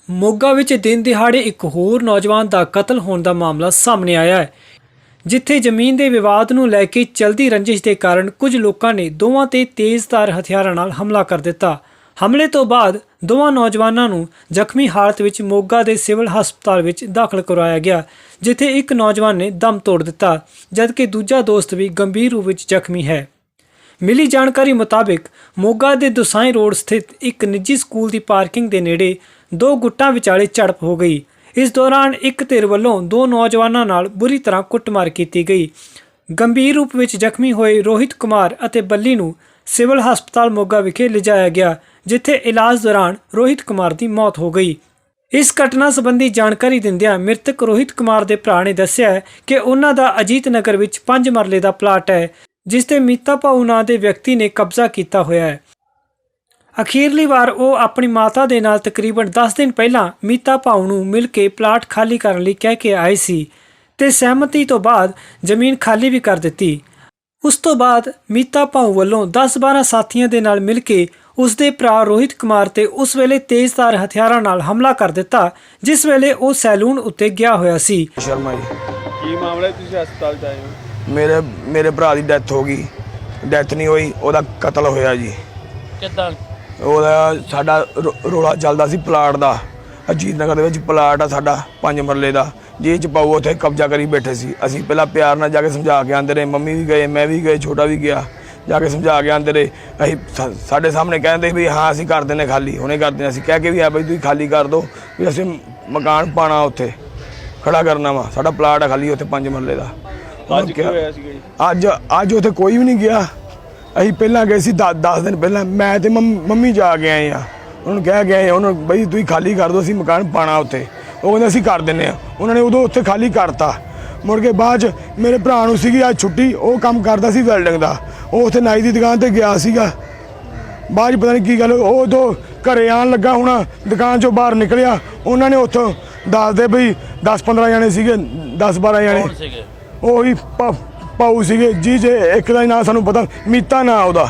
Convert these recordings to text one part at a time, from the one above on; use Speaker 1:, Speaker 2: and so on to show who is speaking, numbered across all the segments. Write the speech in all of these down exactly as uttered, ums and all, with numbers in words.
Speaker 1: ਮੋਗਾ ਵਿੱਚ ਦਿਨ ਦਿਹਾੜੇ ਇੱਕ ਹੋਰ ਨੌਜਵਾਨ ਦਾ ਕਤਲ ਹੋਣ ਦਾ ਮਾਮਲਾ ਸਾਹਮਣੇ ਆਇਆ ਹੈ, ਜਿੱਥੇ ਜ਼ਮੀਨ ਦੇ ਵਿਵਾਦ ਨੂੰ ਲੈ ਕੇ ਚਲਦੀ ਰੰਜਿਸ਼ ਦੇ ਕਾਰਨ ਕੁਝ ਲੋਕਾਂ ਨੇ ਦੋਵਾਂ ਤੇ ਤੇਜ਼ਧਾਰ ਹਥਿਆਰਾਂ ਨਾਲ ਹਮਲਾ ਕਰ ਦਿੱਤਾ। ਹਮਲੇ ਤੋਂ ਬਾਅਦ ਦੋਵਾਂ ਨੌਜਵਾਨਾਂ ਨੂੰ ਜ਼ਖਮੀ ਹਾਲਤ ਵਿੱਚ ਮੋਗਾ ਦੇ ਸਿਵਲ ਹਸਪਤਾਲ ਵਿੱਚ ਦਾਖਲ ਕਰਵਾਇਆ ਗਿਆ, ਜਿੱਥੇ ਇੱਕ ਨੌਜਵਾਨ ਨੇ ਦਮ ਤੋੜ ਦਿੱਤਾ, ਜਦਕਿ ਦੂਜਾ ਦੋਸਤ ਵੀ ਗੰਭੀਰ ਰੂਪ ਵਿੱਚ ਜ਼ਖਮੀ ਹੈ। ਮਿਲੀ ਜਾਣਕਾਰੀ ਮੁਤਾਬਿਕ ਮੋਗਾ ਦੇ ਦੁਸਾਈ ਰੋਡ ਸਥਿਤ ਇੱਕ ਨਿੱਜੀ ਸਕੂਲ ਦੀ ਪਾਰਕਿੰਗ ਦੇ ਨੇੜੇ ਦੋ ਗੁੱਟਾਂ ਵਿਚਾਲੇ ਝੜਪ ਹੋ ਗਈ। ਇਸ ਦੌਰਾਨ ਇੱਕ ਧਿਰ ਵੱਲੋਂ ਦੋ ਨੌਜਵਾਨਾਂ ਨਾਲ ਬੁਰੀ ਤਰ੍ਹਾਂ ਕੁੱਟਮਾਰ ਕੀਤੀ ਗਈ। ਗੰਭੀਰ ਰੂਪ ਵਿੱਚ ਜ਼ਖਮੀ ਹੋਏ ਰੋਹਿਤ ਕੁਮਾਰ ਅਤੇ ਬੱਲੀ ਨੂੰ ਸਿਵਲ ਹਸਪਤਾਲ ਮੋਗਾ ਵਿਖੇ ਲਿਜਾਇਆ ਗਿਆ, ਜਿੱਥੇ ਇਲਾਜ ਦੌਰਾਨ ਰੋਹਿਤ ਕੁਮਾਰ ਦੀ ਮੌਤ ਹੋ ਗਈ। ਇਸ ਘਟਨਾ ਸੰਬੰਧੀ ਜਾਣਕਾਰੀ ਦਿੰਦਿਆਂ ਮ੍ਰਿਤਕ ਰੋਹਿਤ ਕੁਮਾਰ ਦੇ ਭਰਾ ਨੇ ਦੱਸਿਆ ਕਿ ਉਹਨਾਂ ਦਾ ਅਜੀਤ ਨਗਰ ਵਿੱਚ ਪੰਜ ਮਰਲੇ ਦਾ ਪਲਾਟ ਹੈ, ਜਿਸ ਤੇ ਮੀਤਾ ਭਾਊ ਨਾਂ ਦੇ ਵਿਅਕਤੀ ਨੇ ਕਬਜ਼ਾ ਕੀਤਾ ਹੋਇਆ ਹੈ। ਅਖੀਰਲੀ ਵਾਰ ਉਹ ਆਪਣੀ ਮਾਤਾ ਦੇ ਨਾਲ ਤਕਰੀਬਨ ਦਸ ਦਿਨ ਪਹਿਲਾਂ ਮੀਤਾ ਭਾਊ ਨੂੰ ਮਿਲ ਕੇ ਪਲਾਟ ਖਾਲੀ ਕਰਨ ਲਈ ਕਹਿ ਕੇ ਆਏ ਸੀ ਤੇ ਸਹਿਮਤੀ ਤੋਂ ਬਾਅਦ ਜ਼ਮੀਨ ਖਾਲੀ ਵੀ ਕਰ ਦਿੱਤੀ। ਉਸ ਤੋਂ ਬਾਅਦ ਮੀਤਾ ਭਾਊ ਵੱਲੋਂ ਦਸ ਬਾਰਾਂ ਸਾਥੀਆਂ ਦੇ ਨਾਲ ਮਿਲ ਕੇ ਉਸ ਦੇ ਭਰਾ ਰੋਹਿਤ ਕੁਮਾਰ ਤੇ ਉਸ ਵੇਲੇ ਤੇਜ਼ਧਾਰ ਹਥਿਆਰਾਂ ਨਾਲ ਹਮਲਾ ਕਰ ਦਿੱਤਾ, ਜਿਸ ਵੇਲੇ ਉਹ ਸੈਲੂਨ ਉੱਤੇ ਗਿਆ ਹੋਇਆ ਸੀ।
Speaker 2: ਸ਼ਰਮਾ ਜੀ,
Speaker 3: ਕੀ ਮਾਮਲਾ ਹੈ? ਤੁਸੀਂ ਹਸਪਤਾਲ 'ਚ ਆਏ ਹੋ?
Speaker 2: ਮੇਰੇ ਮੇਰੇ ਭਰਾ ਦੀ ਡੈਥ ਹੋ ਗਈ। ਡੈਥ ਨਹੀਂ ਹੋਈ, ਉਹਦਾ ਕਤਲ ਹੋਇਆ ਜੀ।
Speaker 3: ਕਿੱਦਾਂ?
Speaker 2: ਉਹਦਾ ਸਾਡਾ ਰੋ- ਰੌਲਾ ਚੱਲਦਾ ਸੀ ਪਲਾਟ ਦਾ। ਅਜੀਤ ਨਗਰ ਦੇ ਵਿੱਚ ਪਲਾਟ ਆ ਸਾਡਾ ਪੰਜ ਮਰਲੇ ਦਾ, ਜਿਹ 'ਚ ਪਾਊ ਉੱਥੇ ਕਬਜ਼ਾ ਕਰੀ ਬੈਠੇ ਸੀ। ਅਸੀਂ ਪਹਿਲਾਂ ਪਿਆਰ ਨਾਲ ਜਾ ਕੇ ਸਮਝਾ ਕੇ ਆਂਦੇ ਰਹੇ, ਮੰਮੀ ਵੀ ਗਏ, ਮੈਂ ਵੀ ਗਏ, ਛੋਟਾ ਵੀ ਗਿਆ, ਜਾ ਕੇ ਸਮਝਾ ਕੇ ਆਂਦੇ ਰਹੇ। ਅਸੀਂ ਸਾ- ਸਾਡੇ ਸਾਹਮਣੇ ਕਹਿੰਦੇ ਵੀ ਹਾਂ ਅਸੀਂ ਕਰ ਦਿੰਦੇ ਖਾਲੀ, ਹੁਣੇ ਕਰ ਦਿੰਦੇ। ਅਸੀਂ ਕਹਿ ਕੇ ਵੀ ਆ ਬਈ ਤੁਸੀਂ ਖਾਲੀ ਕਰ ਦਿਓ, ਵੀ ਅਸੀਂ ਮਕਾਨ ਪਾਣਾ ਉੱਥੇ ਖੜਾ ਕਰਨਾ ਵਾ। ਸਾਡਾ ਪਲਾਟ ਆ ਖਾਲੀ ਉੱਥੇ ਪੰਜ ਮਰਲੇ ਦਾ।
Speaker 3: ਅੱਜ ਕੀ ਹੋਇਆ ਸੀਗਾ ਜੀ?
Speaker 2: ਅੱਜ ਅੱਜ ਉੱਥੇ ਕੋਈ ਵੀ ਨਹੀਂ ਗਿਆ। ਅਸੀਂ ਪਹਿਲਾਂ ਗਏ ਸੀ ਦਸ ਦਿਨ ਪਹਿਲਾਂ, ਮੈਂ ਤੇ ਮੰਮ- ਮੰਮੀ ਜਾ ਕੇ ਆਏ ਆ। ਉਹਨੂੰ ਕਹਿ ਕੇ ਆਏ ਉਹਨੂੰ ਬਈ ਤੁਸੀਂ ਖਾਲੀ ਕਰ ਦਿਓ, ਅਸੀਂ ਮਕਾਨ ਪਾਣਾ ਉੱਥੇ। ਉਹ ਕਹਿੰਦੇ ਅਸੀਂ ਕਰ ਦਿੰਦੇ ਆ। ਉਹਨਾਂ ਨੇ ਉਦੋਂ ਉੱਥੇ ਖਾਲੀ ਕਰਤਾ। ਮੁੜ ਕੇ ਬਾਅਦ 'ਚ ਮੇਰੇ ਭਰਾ ਨੂੰ ਸੀਗੀ ਅੱਜ ਛੁੱਟੀ, ਉਹ ਕੰਮ ਕਰਦਾ ਸੀ ਵੈਲਡਿੰਗ ਦਾ। ਉਹ ਉੱਥੇ ਨਾਈ ਦੀ ਦੁਕਾਨ 'ਤੇ ਗਿਆ ਸੀਗਾ। ਬਾਅਦ 'ਚ ਪਤਾ ਨਹੀਂ ਕੀ ਗੱਲ, ਉਹ ਉਦੋਂ ਘਰੇ ਆਉਣ ਲੱਗਾ ਹੋਣਾ, ਦੁਕਾਨ 'ਚੋਂ ਬਾਹਰ ਨਿਕਲਿਆ। ਉਹਨਾਂ ਨੇ ਉੱਥੋਂ ਦੱਸਦੇ ਬਈ ਦਸ ਪੰਦਰਾਂ ਜਣੇ ਸੀਗੇ, ਦਸ ਬਾਰਾਂ ਜਣੇ। ਉਹੀ ਭਾਊ ਸੀਗੇ ਜੀ, ਜੇ ਇੱਕ ਦਾ ਨਾਂ ਸਾਨੂੰ ਪਤਾ, ਮੀਤਾ ਨਾਂ ਉਹਦਾ।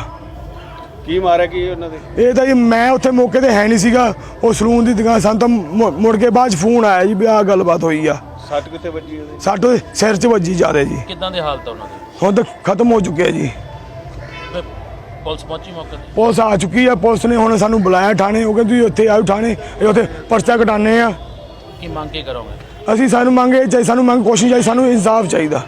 Speaker 3: ਕੀ ਮਾਰਿਆ ਕੀ ਉਹਨਾਂ ਦੇ?
Speaker 2: ਇਹ ਤਾਂ ਜੀ ਮੈਂ ਉੱਥੇ ਮੌਕੇ ਤੇ ਹੈ ਨਹੀਂ ਸੀਗਾ, ਉਹ ਸਲੂਨ ਦੀ ਦੁਕਾਨ। ਸਾਨੂੰ ਤਾਂ ਮੁ- ਮੁੜ ਕੇ ਬਾਅਦ 'ਚ ਫੋਨ ਆਇਆ ਜੀ ਵੀ ਆਹ ਗੱਲਬਾਤ ਹੋਈ ਆ।
Speaker 3: ਸੱਟ ਕਿੱਥੇ ਵੱਜੀ ਉਹਦੇ?
Speaker 2: ਸੱਟ ਉਹਦੇ ਸਿਰ 'ਚ ਵੱਜੀ ਜ਼ਿਆਦਾ ਜੀ।
Speaker 4: ਕਿੱਦਾਂ ਦੀ ਹਾਲਤ ਆ ਉਹਨਾਂ ਦੀ?
Speaker 2: ਹੁਣ ਤਾਂ ਖਤਮ ਹੋ ਚੁੱਕਿਆ ਜੀ।
Speaker 4: ਤੇ ਪੁਲਿਸ ਪਹੁੰਚੀ ਮੌਕੇ ਤੇ?
Speaker 2: ਪੁਲਿਸ ਆ ਚੁੱਕੀ ਆ। ਪੁਲਿਸ ਨੇ ਹੁਣ ਸਾਨੂੰ ਬੁਲਾਇਆ ਥਾਣੇ। ਉਹ ਕਹਿੰਦੇ ਤੁਸੀਂ ਉੱਥੇ ਆਓ ਥਾਣੇ, ਇਹ ਉੱਥੇ ਪਰਚਾ ਕਟਾਣੇ ਆ।
Speaker 4: ਕੀ ਮੰਗ ਕੇ ਕਰੋਗੇ?
Speaker 2: ਅਸੀਂ ਸਾਨੂੰ ਮੰਗੇ ਚਾਹੀ ਸਾਨੂੰ ਮੰਗ ਕੋਸ਼ਿਸ਼ ਚਾਹੀ, ਸਾਨੂੰ ਇਨਸਾਫ ਚਾਹੀਦਾ।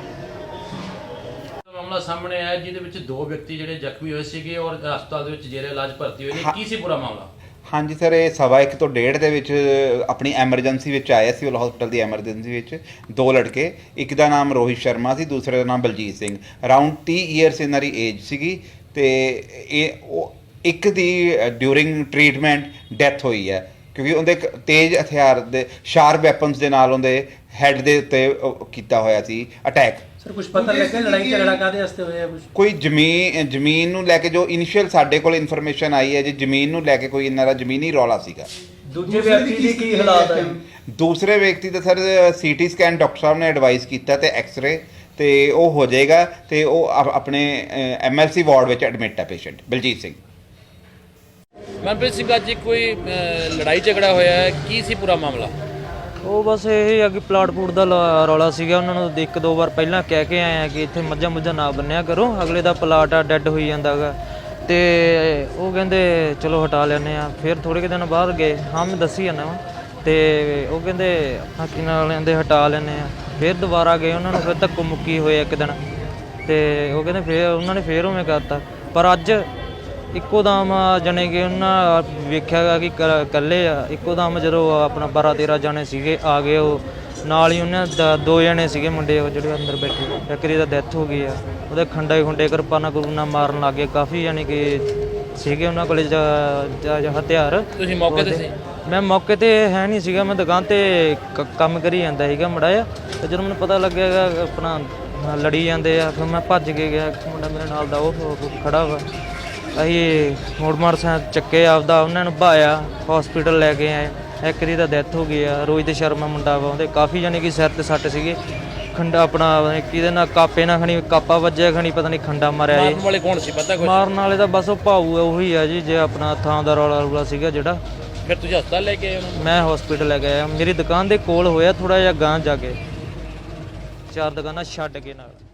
Speaker 4: ਮਾਮਲਾ ਸਾਹਮਣੇ ਆਇਆ ਜਿਹਦੇ ਵਿੱਚ ਦੋ ਵਿਅਕਤੀ ਜਿਹੜੇ ਜ਼ਖਮੀ ਹੋਏ ਸੀਗੇ ਔਰ ਹਸਪਤਾਲ ਦੇ ਵਿੱਚ ਜੇਰੇ ਇਲਾਜ ਭਰਤੀ ਹੋਏ ਨੇ। ਕੀ ਸੀ ਪੂਰਾ ਮਾਮਲਾ?
Speaker 5: ਹਾਂਜੀ ਸਰ, ਇਹ ਸਵਾ ਇੱਕ ਤੋਂ ਡੇਢ ਦੇ ਵਿੱਚ ਆਪਣੀ ਐਮਰਜੈਂਸੀ ਵਿੱਚ ਆਏ ਸਿਵਲ ਹਸਪੀਟਲ ਦੀ ਐਮਰਜੈਂਸੀ ਵਿੱਚ ਦੋ ਲੜਕੇ। ਇੱਕ ਦਾ ਨਾਮ ਰੋਹਿਤ ਸ਼ਰਮਾ ਸੀ, ਦੂਸਰੇ ਦਾ ਨਾਮ ਬਲਜੀਤ ਸਿੰਘ। ਅਰਾਊਂਡ ਤੀਹ ਈਅਰਸ ਇਹਨਾਂ ਦੀ ਏਜ ਸੀਗੀ ਤੇ ਇਹ ਉਹ ਇੱਕ ਦੀ ਡਿਊਰਿੰਗ ਟ੍ਰੀਟਮੈਂਟ ਡੈਥ ਹੋਈ ਹੈ, ਕਿਉਂਕਿ ਉਹਦੇ ਇੱਕ ਤੇਜ਼ ਹਥਿਆਰ ਦੇ ਸ਼ਾਰਪ ਵੈਪਨਸ ਦੇ ਨਾਲ ਉਹਦੇ ਹੈੱਡ ਦੇ ਉੱਤੇ ਉਹ ਕੀਤਾ ਹੋਇਆ ਸੀ ਅਟੈਕ।
Speaker 1: ਸਰ ਕੁਝ ਪਤਾ ਲੱਗਿਆ ਲੜਾਈ ਝਗੜਾ ਕਾਹਦੇ ਵਾਸਤੇ ਹੋਇਆ? ਕੁਝ
Speaker 5: ਕੋਈ ਜ਼ਮੀਨ ਜ਼ਮੀਨ ਨੂੰ ਲੈ ਕੇ ਜੋ ਇਨੀਸ਼ੀਅਲ ਸਾਡੇ ਕੋਲ ਇਨਫੋਰਮੇਸ਼ਨ ਆਈ ਹੈ ਜੀ, ਜ਼ਮੀਨ ਨੂੰ ਲੈ ਕੇ ਕੋਈ ਇਹਨਾਂ ਦਾ ਜ਼ਮੀਨੀ ਰੌਲਾ ਸੀਗਾ।
Speaker 1: ਦੂਜੇ ਵਿਅਕਤੀ ਦੀ ਕੀ ਹਾਲਾਤ ਹੈ?
Speaker 5: ਦੂਸਰੇ ਵਿਅਕਤੀ ਦਾ ਸਰ ਸੀਟੀ ਸਕੈਨ ਡਾਕਟਰ ਸਾਹਿਬ ਨੇ ਐਡਵਾਈਸ ਕੀਤਾ ਤੇ ਐਕਸ-ਰੇ ਤੇ ਉਹ ਹੋ ਜਾਏਗਾ ਤੇ ਉਹ ਆਪ- ਆਪਣੇ ਐਮਐਲਸੀ ਵਾਰਡ ਵਿੱਚ ਐਡਮਿਟ ਹੈ ਪੇਸ਼ੈਂਟ ਬਲਜੀਤ ਸਿੰਘ।
Speaker 4: ਮਨਪ੍ਰੀਤ ਸਿੰਘ, ਅੱਜ ਕੋਈ ਅਹ, ਲੜਾਈ ਝਗੜਾ ਹੋਇਆ ਹੈ, ਕੀ ਸੀ ਪੂਰਾ ਮਾਮਲਾ?
Speaker 6: ਉਹ ਬਸ ਇਹ ਆ ਕਿ ਪਲਾਟ ਪੂਟ ਦਾ ਲਾ- ਰੌਲਾ ਸੀਗਾ। ਉਹਨਾਂ ਨੂੰ ਇੱਕ ਦੋ ਵਾਰ ਪਹਿਲਾਂ ਕਹਿ ਕੇ ਆਏ ਆ ਕਿ ਇੱਥੇ ਮੱਝਾਂ ਮੁੱਝਾਂ ਨਾ ਬੰਨਿਆ ਕਰੋ, ਅਗਲੇ ਦਾ ਪਲਾਟ ਆ ਡੈੱਡ ਹੋਈ ਜਾਂਦਾ ਗਾ। ਤੇ ਉਹ ਕਹਿੰਦੇ ਚਲੋ ਹਟਾ ਲੈਂਦੇ ਆ। ਫਿਰ ਥੋੜ੍ਹੇ ਕੁ ਦਿਨ ਬਾਅਦ ਗਏ, ਹਾਂ ਮੈਂ ਦੱਸੀ ਜਾਂਦਾ ਵਾ, ਤੇ ਉਹ ਕਹਿੰਦੇ ਹਾਕੀ ਨਾਲ ਲੈਂਦੇ ਹਟਾ ਲੈਂਦੇ ਆ। ਫਿਰ ਦੁਬਾਰਾ ਗਏ, ਉਹਨਾਂ ਨੂੰ ਫਿਰ ਧੱਕੋ ਮੁੱਕੀ ਹੋਏ ਇੱਕ ਦਿਨ, ਤੇ ਉਹ ਕਹਿੰਦੇ ਫਿਰ ਉਹਨਾਂ ਨੇ ਫਿਰ ਉਵੇਂ ਕਰਤਾ। ਪਰ ਅੱਜ ਇੱਕੋ ਦਮ ਜਾਣੇ ਕਿ ਉਹਨਾਂ ਵੇਖਿਆ ਗਾ ਕਿ ਇਕੱਲੇ ਆ। ਇੱਕੋ ਦਮ ਜਦੋਂ ਆਪਣਾ ਬਾਰਾਂ ਤੇਰਾਂ ਜਾਣੇ ਸੀਗੇ ਆ ਗਏ, ਉਹ ਨਾਲ ਹੀ ਉਹਨਾਂ ਦਾ ਦੋ ਜਣੇ ਸੀਗੇ ਮੁੰਡੇ ਉਹ ਜਿਹੜੇ ਅੰਦਰ ਬੈਠੇ। ਇੱਕ ਦੀ ਤਾਂ ਡੈਥ ਹੋ ਗਈ ਆ, ਉਹਦੇ ਖੰਡੇ ਖੁੰਡੇ ਕਿਰਪਾਨਾਂ ਕਰੂਨਾ ਮਾਰਨ ਲੱਗ ਗਏ ਕਾਫੀ, ਯਾਨੀ ਕਿ ਸੀਗੇ ਉਹਨਾਂ ਕੋਲੇ ਹਥਿਆਰ।
Speaker 4: ਤੁਸੀਂ ਮੌਕੇ ਤੇ ਸੀ?
Speaker 6: ਮੈਂ ਮੌਕੇ ਤੇ ਹੈ ਨਹੀਂ ਸੀਗਾ, ਮੈਂ ਦੁਕਾਨ ਤੇ ਕ- ਕੰਮ ਕਰੀ ਜਾਂਦਾ ਸੀਗਾ ਮੜਾ ਜਿਹਾ। ਤੇ ਜਦੋਂ ਮੈਨੂੰ ਪਤਾ ਲੱਗਿਆ ਆਪਣਾ ਲੜੀ ਜਾਂਦੇ ਆ, ਫਿਰ ਮੈਂ ਭੱਜ ਕੇ ਗਿਆ। ਇੱਕ ਮੁੰਡਾ ਮੇਰੇ ਨਾਲ ਦਾ ਉਹ ਖੜਾ ਵਾ। ਅਸੀਂ ਮੋੜ ਮਾਰ ਸਾਂ ਚੱਕੇ ਆਪਦਾ, ਉਹਨਾਂ ਨੂੰ ਭਾਇਆ ਹਸਪੀਟਲ ਲੈ ਕੇ ਆਏ। ਇੱਕ ਦੀ ਤਾਂ ਡੈਥ ਹੋ ਗਈ ਆ। ਰੋਹਿਤ ਸ਼ਰਮਾ ਮੁੰਡਾ ਵਾ, ਉਹਦੇ ਕਾਫੀ ਜਾਨੀ ਕਿ ਸਿਰ ਤੇ ਸੱਟ ਸੀਗੇ। ਖੰਡਾ ਆਪਣਾ ਕਿਹਦੇ ਨਾਲ ਕਾਪੇ ਨਾਲ ਖਣੀ ਕਾਪਾ ਵੱਜਿਆ, ਖਣੀ ਪਤਾ ਨਹੀਂ ਖੰਡਾ ਮਾਰਿਆ ਜੀ।
Speaker 4: ਮਾਰਨ ਵਾਲੇ ਕੌਣ ਸੀ ਪਤਾ ਕੁਝ?
Speaker 6: ਮਾਰਨ ਵਾਲੇ ਦਾ ਬਸ ਉਹ ਭਾਊ ਉਹੀ ਆ ਜੀ, ਜੇ ਆਪਣਾ ਥਾਂ ਦਾ ਰੌਲਾ ਰੌਲਾ ਸੀਗਾ ਜਿਹੜਾ।
Speaker 4: ਫਿਰ ਤੁਸੀਂ ਹਸਪਤਾਲ ਲੈ ਕੇ ਆਏ ਉਹਨਾਂ ਨੂੰ?
Speaker 6: ਮੈਂ ਹਸਪੀਟਲ ਲੈ ਕੇ ਆਇਆ। ਮੇਰੀ ਦੁਕਾਨ ਦੇ ਕੋਲ ਹੋਇਆ, ਥੋੜਾ ਜਿਹਾ ਗਾਂਹ ਜਾ ਕੇ, ਚਾਰ ਦੁਕਾਨਾਂ ਛੱਡ ਕੇ ਨਾਲ।